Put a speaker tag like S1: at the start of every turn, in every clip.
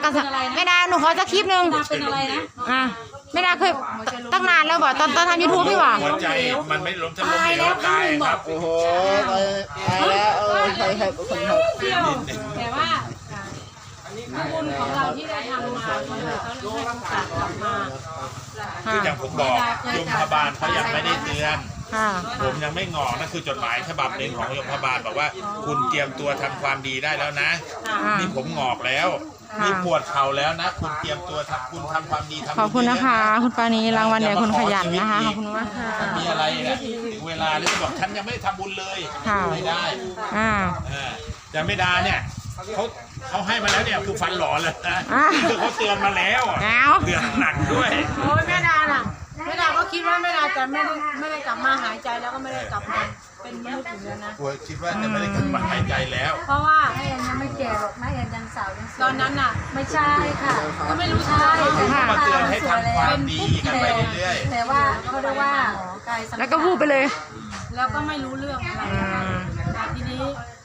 S1: กันแม่ดาหนูขอสักคลิปนึง
S2: เป็นอะไรนะ
S1: แม่ดาเคยตั้งนานแล้วบ่ตอนทำ YouTube พี่บ่
S3: หัวใจมันไม่ล้มจะล้มเหลวตายครับ
S4: โอ้โหตายแล้วใครคนครับ
S2: แต่ว่าบุญของเราที่ได้ทำมาเขาเลยให้โอกาสกลับมา
S3: คืออย่างผมบอกยมพบาลเขายังไม่ได้เตือนผมยังไม่งอกนั่นคือจดหมายฉบับหนึ่งของยมพบาลบอกว่าคุณเตรียมตัวทำความดีได้แล้วนะนี่ผมงอกแล้วนี่ปวดเข่าแล้วนะคุณเตรียมตัวคุณทำความดีทำ
S1: ขอบคุณนะคะคุณปานีรางวัลเนี่ยคุณขยันนะคะขอบคุณมากค่ะ
S3: มีอะไรเนี่ยถึงเวลาแล้วจะบอกฉันยังไม่ได้ทำบุญเลยไม่ได้จะไม่ได้เนี่ยเขาให้มาแล้วเนี่ยคือฟันหล่อเลยนะคือเขาเตือนมาแล้วเตือนหนักด้วย
S2: โอ้ยแม่ดาน่ะแม่ดาก็คิดว่าแม่ดาจะไม่ได้กลับมาหายใจแล้วก็ไม่ได้กลับมาเป็นมนุษย์อยู่แล้วนะ
S3: คิดว่าจะไม่ได้กลับมาหายใจแล้ว
S2: เพราะว่า
S5: แม่ยังไม่แก่หรอกแม่ยังสาวยัง
S2: ตอนนั้นน่ะ
S5: ไม่ใช่ค่ะ
S2: ก็ไม่รู้ใช่
S3: เขามาเตือนให้ทำความดีกันไปเรื่อย
S5: ๆแต่ว่าเขาเรียกว่ากาย
S1: แล้วก็พูดไปเลย
S2: แล้วก็ไม่รู้เรื่องอะไรทีนี้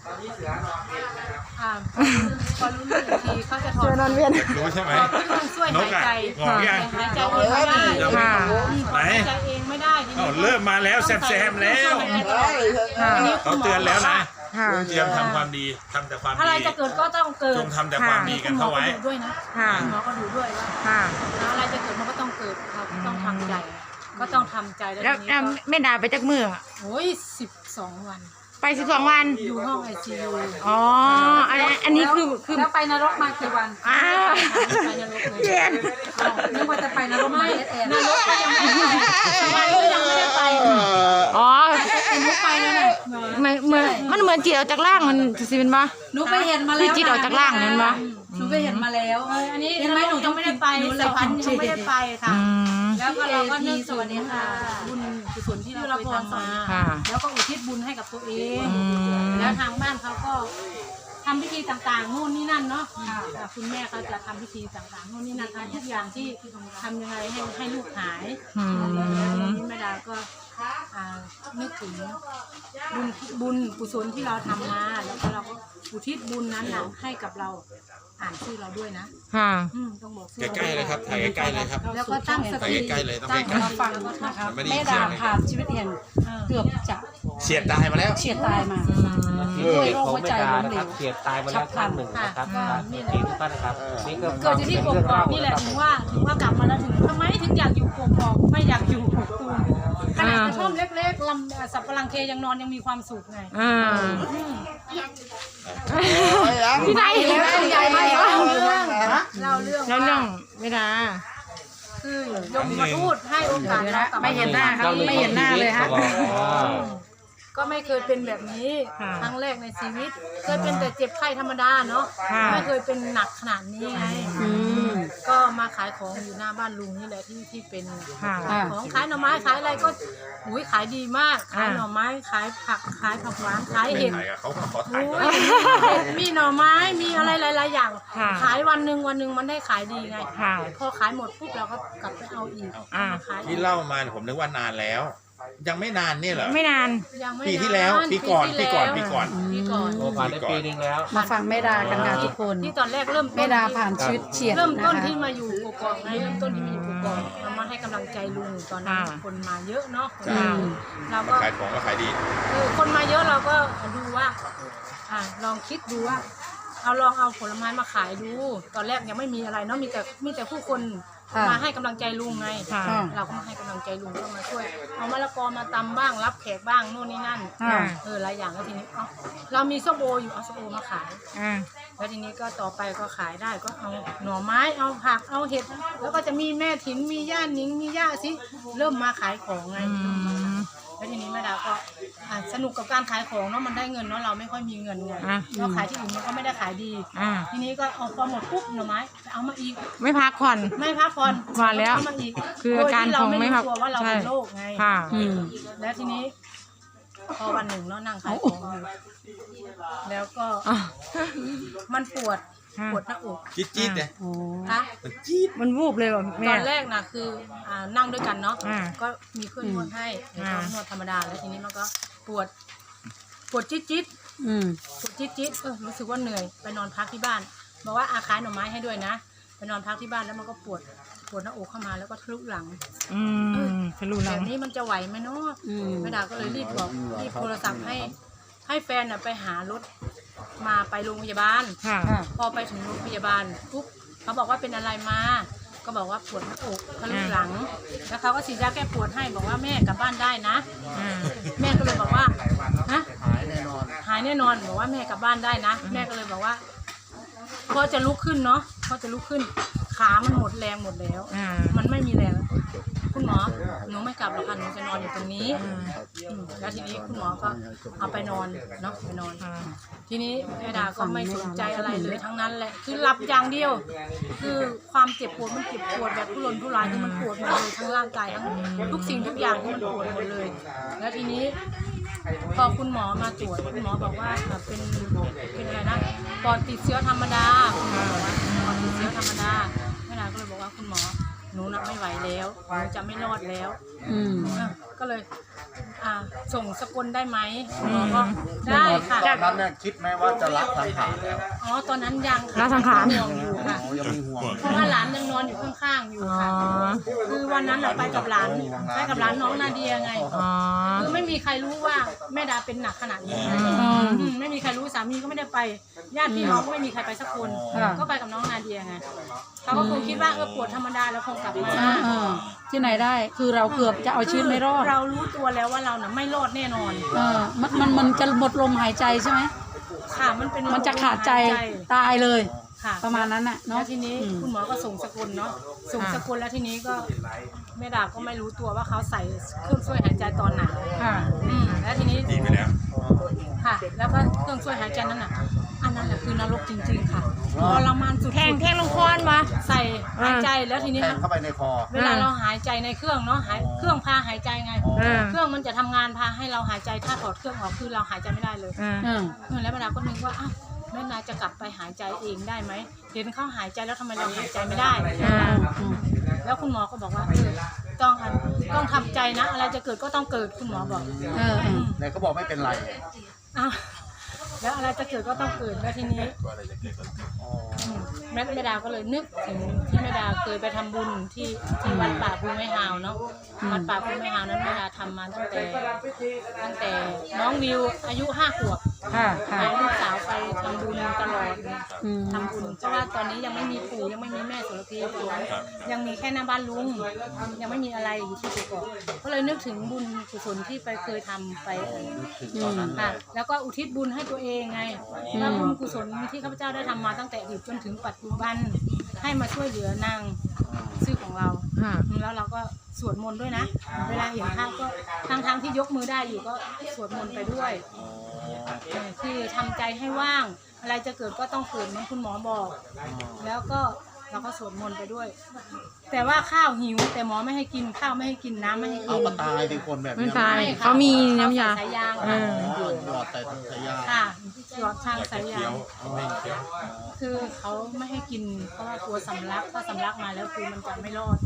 S2: พอรู้เรื่องทีเขาจะถอด
S1: นอนเวียน
S3: รู้ใช่ไหม
S2: ช่วยหายใจ
S3: งอกยัง
S2: หายใจเองไม่ได้
S3: ไหน
S2: หายใจเองไม่ได้
S3: เริ่มมาแล้วแซมแล้วเขาเตือนแล้วนะเตรียมทำความดีทำแต่ความดี
S2: อะไรจะเกิดก็ต้องเกิด
S3: จงทำแต่ความดีกันเข้าไว้
S2: ด้วยนะหมอก็ดูด้วยว่าอะไรจะเกิดมันก็ต้องเกิดเราต้องทำใจก็ต้องทำใจ
S1: แล้วแม่ดาไปจากมือ
S2: โอ้ย12 วัน
S1: ไป12 วัน
S2: อยู่ห้อง ICU
S1: อ๋ออันนี้คือ
S2: แล้วไปนรกมากี่วันไปนรกเลยนึกว่าจะไปนรกไม่นรกยังไม่ได้ไป
S1: อ๋อ
S2: หนูไปแล้วเนี่ย
S1: มันเหมือนจิตออกจากร่างมันสิเป็นปะ
S2: หนูไปเห็นมาแล้ว
S1: คือจิตออกจากร่างนั่นปะ
S2: หนูไปเห็นมาแล้วอันนี้เห็นไหมหนูยังไม่ได้ไปสายพันธุ์ยังไม่ได้ไปค่ะแล้วก็เราก็นึกสวัสดีค่ะบุญกุศลที่เราเคยทำมาแล้วก็อุทิศบุญให้กับตัวเองแล้วทางบ้านเขาก็ทำพิธีต่างๆโน่นนี่นั่นเนาะคุณแม่เขาจะทำพิธีต่างๆโน่นนี่นั่นทำทุกอย่างที่ทำยังไงให้ลูกหายแล้วนี้แม่ดาก็นึกถึงบุญกุศลที่เราทำมาแล้วก็เราก็อุทิศบุญนั้นนะให้กับเราอ่านชื่อเราด้วยนะต้องบอก
S3: ใกล้ๆเลยครับถ่ายใกล้ๆเลยครับ
S2: แล้วก็ตั้งสติ
S3: ใกล้ๆเลยต้องใกล้ๆ
S5: มาฟังนะครับแม่ดาผ่านชีวิตเองเกือบจะ
S3: เฉียดตายมาแล้ว
S5: เฉียดตายมาด้วยโรคหัวใจล้มเหลว
S6: เฉียดตายมาแล้วครั้งหนึ่งนะครับนี่ทุกท่านครับนี่ก็
S2: เกิดที่กกอกนี่แหละถึงว่ากลับมาแล้วถึงทำไมถึงอยากอยู่กกอกไม่อยากอยู่กกตูมขนาดกระท่อมเล็กๆลำสับปะรังเคยังนอนยังมีความสุขไง
S1: พี่นายเห็นแล้วใหญ่มาก
S2: เล่าเรื่อง
S1: ไม่ได้
S2: คือยมมาทูตให้โอกาสเรา
S1: ไม่เห็นหน้าครับไม่เห็นหน้าเลยฮะ
S2: ก็ไม่เคยเป็นแบบนี้ครั้งแรกในชีวิตเคยเป็นแต่เจ็บไข้ธรรมดาเนาะไม่เคยเป็นหนักขนาดนี้ไงก็มาขายของอยู่หน้าบ้านลุงนี่แหละที่เป็นของขายหน่อไม้ขายอะไรก็ขายดีมากขายหน่อไม้ขายผักขายผักหวานขายเห็ดมีหน่อไม้มีอะไรหลายๆอย่างขายวันหนึ่งมันได้ขายดีไงพอขายหมดปุ๊บเราก็กลับไปเอาอีก
S3: ที่เล่ามาผมนึกว่านานแล้วยังไม่นานนี่เหรอ
S1: ไม่นาน
S3: ปีที่แล้วปีก่อน
S6: โอ้ผ่านได้ปีนึงแล้ว
S5: มาฟังแม่ดากันค่ะทุกคน
S2: ที่ตอนแรกเริ่ม
S5: แม่ดาผ่านชีวิตเฉียด
S2: เริ่มต้นที่มาอยู่กกอกเริ่มต้นที่มาอยู่กกอกเรามาให้กำลังใจลุงตอนนั้นคนมาเยอะเนาะเราก็
S3: ขายของก็ขายดี
S2: คนมาเยอะเราก็ดูว่าลองคิดดูว่าลองเอาผลไม้มาขายดูตอนแรกยังไม่มีอะไรเนาะมีแต่ผู้คนมาให้กำลังใจลุงไงเราก็มาให้กำลังใจลุงก็มาช่วยเอามะละกอมาตำบ้างรับแขกบ้างโน่นนี่นั่นหลายอย่างแล้วทีนี้เรามีส้มโออยู่เอาส้มโอมาขายแล้วทีนี้ก็ต่อไปก็ขายได้ก็เอาหน่อไม้เอาผักเอาเห็ดแล้วก็จะมีแม่ถิ่นมีย่าหนิงมีย่าสิเริ่มมาขายของไงแล้วทีนี้แม่ดาก็สนุกกับการขายของเนาะมันได้เงินเนาะเราไม่ค่อยมีเงินไงเราขายที่อื่นมันก็ไม่ได้ขายดีทีนี้ก็เอาพอหมดปุ๊บหน่อไม้เอามาอีก
S1: ไม่พักผ่อน
S2: มา
S1: แล้ว
S2: มาอีก
S1: คือการของไม่พัก
S2: ว่าเราเป็นโรคไงแล้วทีนี้พอวันหนึ่งเนาะนั่งขายของอยู่แล้วก็มันปวดหน้าอก
S3: จี๊ดเลย
S1: มันจี๊ดมันวูบเลยว่ะแม่
S2: ตอนแรกนะคือนั่งด้วยกันเนาะก็มีเครื่องนวดให้นวดธรรมดาแล้วทีนี้มันก็ปวดจี๊ดปวดจี๊ดรู้สึกว่าเหนื่อยไปนอนพักที่บ้านบอกว่าขายหน่อไม้ให้ด้วยนะไปนอนพักที่บ้านแล้วมันก็ปวดหน้าอกเข้ามาแล้วก็ทะลุหลัง
S1: ทะลุหลั
S2: แบ
S1: ง
S2: บนี้มันจะไหวไหมเนาะแม่ดาก็เลยรีบโทรศัพท์ให้แฟนไปหารถมาไปโรงพยาบาลพอไปถึงโรงพยาบาลปุ๊บเขาบอกว่าเป็นอะไรมาก็บอกว่าปวดหน้าอกทะลุหลังแล้วเขาก็ฉีดยาแก้ปวดให้บอกว่าแม่กลับบ้านได้นะแม่ก็เลยบอกว่านะหายแน่นอนบอกว่าแม่กลับบ้านได้นะแม่ก็เลยบอกว่าพอจะลุกขึ้นเนาะพอจะลุกขึ้นขามันหมดแรงหมดแล้วมันไม่มีแรงคุณหมอหนูไม่กลับหรอกค่ะหนูจะนอนอยู่ตรงนี้แล้วทีนี้คุณหมอก็เอาไปนอนเนาะไปนอนทีนี้แม่ดาก็ไม่สนใจอะไรเลยทั้งนั้นแหละคือหลับอย่างเดียวคือความเจ็บปวดมันเจ็บปวดแบบทุรนทุรายที่มันปวดหมดเลยทั้งร่างกายทั้งทุกสิ่งทุกอย่างที่มันปวดหมดเลยแล้วทีนี้พอคุณหมอมาตรวจคุณหมอบอกว่าเป็นอะไรนะปอดติดเชื้อธรรมดาคุณหมอบอกว่าปอดติดเชื้อธรรมดาแม่ดาก็เลยบอกว่าคุณหมอหนูนับไม่ไหวแล้วหนูจะไม่รอดแล้วก็เลยส่งสกลได้ไหมหมอก็ได้ค่ะ
S7: ตอนนั้นเนี่ยคิดไหมว่าจะละสังขารแล้ว
S2: อ๋อตอนนั้นยังค่ะ
S1: ละสังขาร
S2: ห่วงอยู่ค่ะ
S7: ยังมีห่วง
S2: เพราะว่าหลานยังนอนอยู่ข้างๆอยู่ค่ะคือวันนั้นไปกับหลานน้องนาเดียไงคือไม่มีใครรู้ว่าแม่ดาเป็นหนักขนาดนี้ไม่มีใครรู้สามีก็ไม่ได้ไปญาติพี่น้องก็ไม่มีใครไปสักคนก็ไปกับน้องนาเดียไงเขาก็คงคิดว่าปวดธรรมดาแล้วคงกลับมา
S5: ที่ไหนได้คือเราเกือบจะเอาชีวิตไม่รอด
S2: เรารู้ตัวแล้วว่าเราน่ะไม่รอดแน่นอน
S5: มันจะหมดลมหายใจใช่ไหม
S2: ค่ะมัน
S5: จะขาดใจตายเลย
S2: ค่ะ
S5: ประมาณนั้นน่ะเนาะ
S2: ทีนี้คุณหมอก็ส่งสกุลเนาะส่งสกุลแล้วทีนี้ก็แม่ดาก็ไม่รู้ตัวว่าเขาใส่เครื่องช่วยหายใจตอนไหนแล้วทีนี้
S3: ดีไปแล้ว
S2: ค่ะแล้วก็เครื่องช่วยหายใจนั้นน่ะอันนั้นแหละคือนรกจริงๆค่ะทรมานสุด
S1: แทงลงคอมา
S2: ใส่หายใจแล้วทีนี้
S7: เข้าไปในคอ
S2: เวลาเราหายใจในเครื่องเนาะเครื่องพาหายใจไงเครื่องมันจะทำงานพาให้เราหายใจถ้าถอดเครื่องออกคือเราหายใจไม่ได้เลยแล้วแม่ดาก็นึกว่าอ้าวแม่นาจะกลับไปหายใจเองได้ไหมเห็นเขาหายใจแล้วทำไมเราหายใจไม่ได้แล้วคุณหมอก็บอกว่าต้องทำใจนะอะไรจะเกิดก็ต้องเกิดคุณหมอบอก
S7: ไหนเขาบอกไม่เป็นไร
S2: แล้วอะไรจะเกิดก็ต้องเกิดแล้วทีนี้แม่ดาก็เลยนึกถึงที่แม่ดาเคยไปทำบุญที่วัดป่าภูไม้ฮาวเนาะวัดป่าภูไม้ฮาวนั้นแม่ดาทำมาตั้งแต่น้องวิวอายุ5 ขวบพาลูกสาวไปทำบุญตลอดทำบุญเพราะว่าตอนนี้ยังไม่มีปู่ยังไม่มีแม่โสระพียังมีแค่หน้าบ้านลุงยังไม่มีอะไรอยู่ที่ตัวก่อนก็เลยนึกถึงบุญกุศลที่ไปเคยทำไปค่ะแล้วก็อุทิศบุญให้ตัวเองไงว่าบุญกุศลที่ข้าพเจ้าได้ทำมาตั้งแต่อดีตจนถึงปัจจุบันให้มาช่วยเหลือนางชื่อของเราแล้วเราก็สวดมนต์ด้วยนะเวลาเห็นภาพก็ทั้งที่ยกมือได้อยู่ก็สวดมนต์ไปด้วยคือทำใจให้ว่างอะไรจะเกิดก็ต้องเกิดเหมือนคุณหมอบอกแล้วก็เราก็สวดมนต์ไปด้วยแต่ว่าข้าวหิวแต่หมอไม่ให้กินข้าวไม่ให้กินน้ำไม่ให้กิน
S7: เอาตายเป็นคนแบบนี้
S1: ไม่ตายเขามีน้ำยา
S2: สายยาง
S7: หยอดแต่สายยาง
S2: ค่ะหยอดทางสายยางคือเขาไม่ให้กินเพราะว่ากลัวสำลักถ้าสำลักมาแล้วคือมันจะไม่รอด